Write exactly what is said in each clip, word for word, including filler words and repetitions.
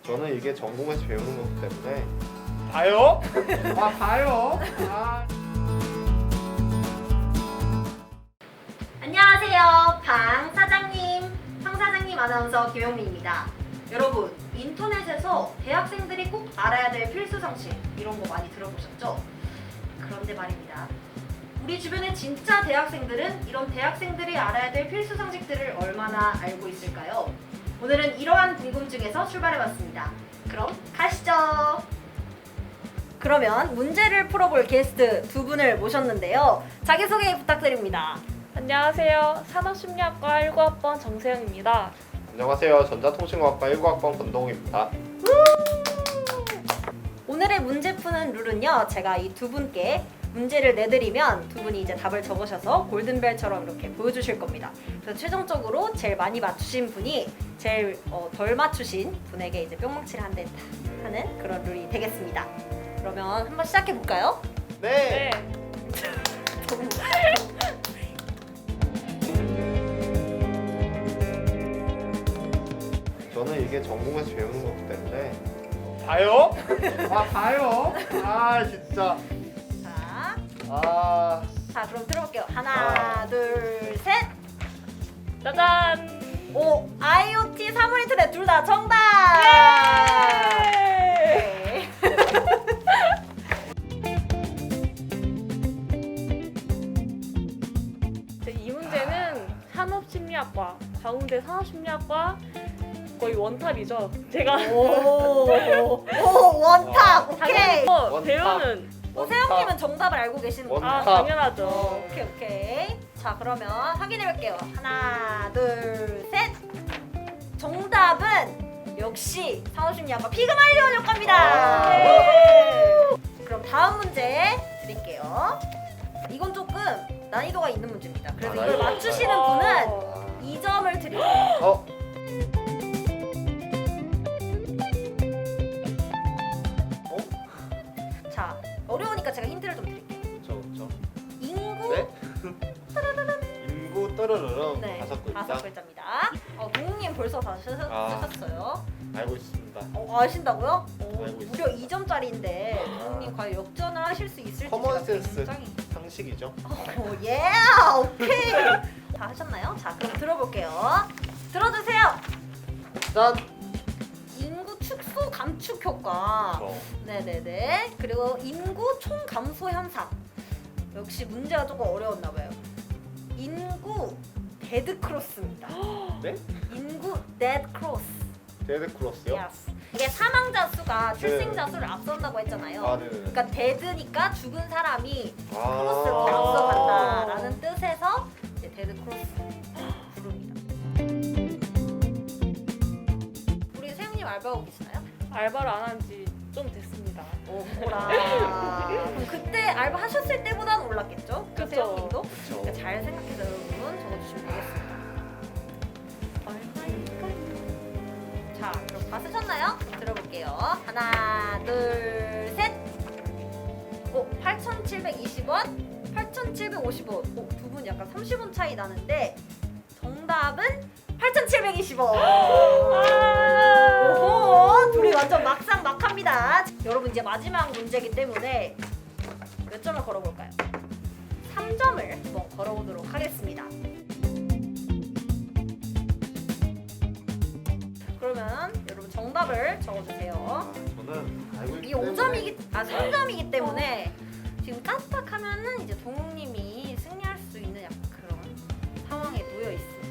저는 이게 전공에서 배우는 거기 때문에 봐요? 아 봐요? 아. 안녕하세요. 방 사장님, 황 사장님 아나운서 김영미입니다. 여러분, 인터넷에서 대학생들이 꼭 알아야 될 필수 상식 이런 거 많이 들어보셨죠? 그런데 말입니다. 우리 주변의 진짜 대학생들은 이런 대학생들이 알아야 될 필수 상식들을 얼마나 알고 있을까요? 오늘은 이러한 궁금증에서 출발해봤습니다. 그럼 가시죠. 그러면 문제를 풀어볼 게스트 두 분을 모셨는데요. 자기소개 부탁드립니다. 안녕하세요. 산업심리학과 일 구 학번 정세영입니다. 안녕하세요. 전자통신공학과 일 구 학번 권동욱입니다. 오늘의 문제 푸는 룰은요. 제가 이 두 분께 문제를 내드리면 두 분이 이제 답을 적으셔서 골든벨처럼 이렇게 보여주실 겁니다. 그래서 최종적으로 제일 많이 맞추신 분이 제일 어, 덜 맞추신 분에게 이제 뿅망치를 한 대 하는 그런 룰이 되겠습니다. 그러면 한번 시작해 볼까요? 네. 저는 이게 전공에서 배우는 거기 때문에 봐요? 아 봐요? 아 진짜. 자, 아. 자 그럼 들어볼게요. 하나, 아. 둘, 셋. 짜잔! 오, 아이오티, 사물인터넷 둘 다 정답. 예! 네. 이 문제는 산업심리학과, 광운대 산업심리학과 거의 원탑이죠. 제가 오, 오 원탑. 오케이. 당연히 원탑. 배우는 어, 세영님은 정답을 알고 계시는 원- 거예요? 아 원탑. 당연하죠. 오케이 오케이. 자 그러면 확인해 볼게요. 하나, 둘, 셋. 정답은 역시 산업심리학과 피그말리온 효과입니다. 아. 네. 그럼 다음 문제 드릴게요. 이건 조금 난이도가 있는 문제입니다. 그래서 아, 이걸 난이도가 맞추시는 있어요. 분은 아. 이 점을 드릴게요. 어? 자 어려우니까 제가 힌트를 좀 드릴게요. 그쵸 그쵸. 인구 네? 인구 떠르르릉 네, 다섯 글자. 다섯 글자입니다. 어, 동욱님 벌써 다 쓰셨, 아. 쓰셨어요. 알고 있습니다. 어, 아신다고요? 오, 알고 무려 이 점짜리인데 동욱님 과연 역전을 하실 수 있을지 커먼 제가 센스. 굉장히 상식이죠. 어, 예, 오케이. 다 하셨나요? 자, 그럼 들어볼게요. 들어주세요. 짠. 인구 축소 감축 효과. 어. 네네네. 그리고 인구 총 감소 현상. 역시 문제가 조금 어려웠나 봐요. 인구 데드 크로스입니다. 네? 인구 데드 크로스. 데드 크로스요? Yes. 이게 사망자 수가 출생자 수를 앞선다고 했잖아요. 아 네네. 그러니까 데드니까 죽은 사람이 아. 크로스로 앞서간다라는 뜻에서 이제 데드 크로스 부릅니다. 우리 세영님 알바하고 계시나요? 알바를 안 한 지 좀 됐습니다. 오호라. 그럼 그때 알바 하셨을 때보다는 올랐겠죠? 그 그쵸. 세영님도? 그쵸. 그러니까 잘 생각해서 여러분 적어주시면 되겠습니다. 얼마일까요? 자, 그럼 다 쓰셨나요? 그럼 들어볼게요. 하나, 둘, 셋. 오, 팔천칠백이십 원, 팔천칠백오십 원. 오, 두 분 약간 삼십 원 차이 나는데 정답은 팔천칠백이십 원. 오호, 둘이 완전 막상막합니다. 여러분 이제 마지막 문제이기 때문에 몇 점을 걸어볼까요? 삼 점을 한번 걸어보도록 하겠습니다. 그러면 여러분 정답을 적어주세요. 아, 저는 알고 있기 이게 오 때문에 점이기 아 삼 점이기 때문에 지금 깜빡하면은 이제 동욱님이 승리할 수 있는 약간 그런 상황에 놓여 있습니다.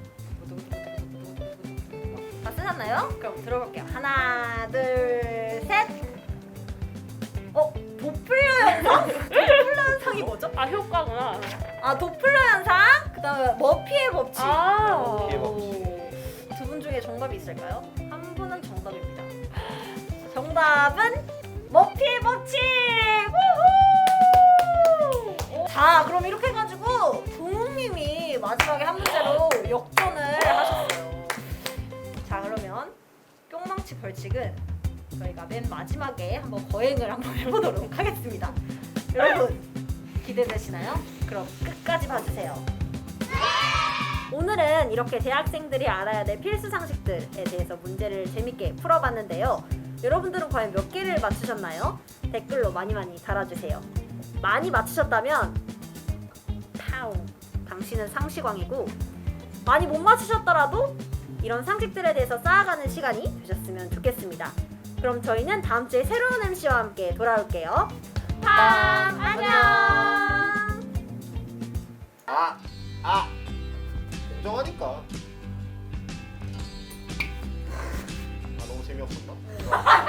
다 쓰셨나요? 그럼 들어볼게요. 하나, 둘, 셋. 어, 도플러 현상? 도플러 현상이 뭐죠? 아 효과구나. 아, 도플러 현상. 그다음에 머피의 법칙. 아. 머피의 법칙. 두 분 중에 정답이 있을까요? 한 분은 정답입니다. 정답은 머피의 법칙! 우후! 자, 그럼 이렇게 해가지고 동욱님이 마지막에 한 문제로 역전을 하셨어요. 자, 그러면 뿅망치 벌칙은 저희가 맨 마지막에 한번 거행을 한번 해보도록 하겠습니다. 여러분 기대되시나요? 그럼 끝까지 봐주세요. 오늘은 이렇게 대학생들이 알아야 될 필수 상식들에 대해서 문제를 재밌게 풀어봤는데요. 여러분들은 과연 몇 개를 맞추셨나요? 댓글로 많이 많이 달아주세요. 많이 맞추셨다면 파우 당신은 상식왕이고, 많이 못 맞추셨더라도 이런 상식들에 대해서 쌓아가는 시간이 되셨으면 좋겠습니다. 그럼 저희는 다음 주에 새로운 엠씨와 함께 돌아올게요. 팜 안녕. 아, 아, 인정하니까. 아, 너무 재미없었나?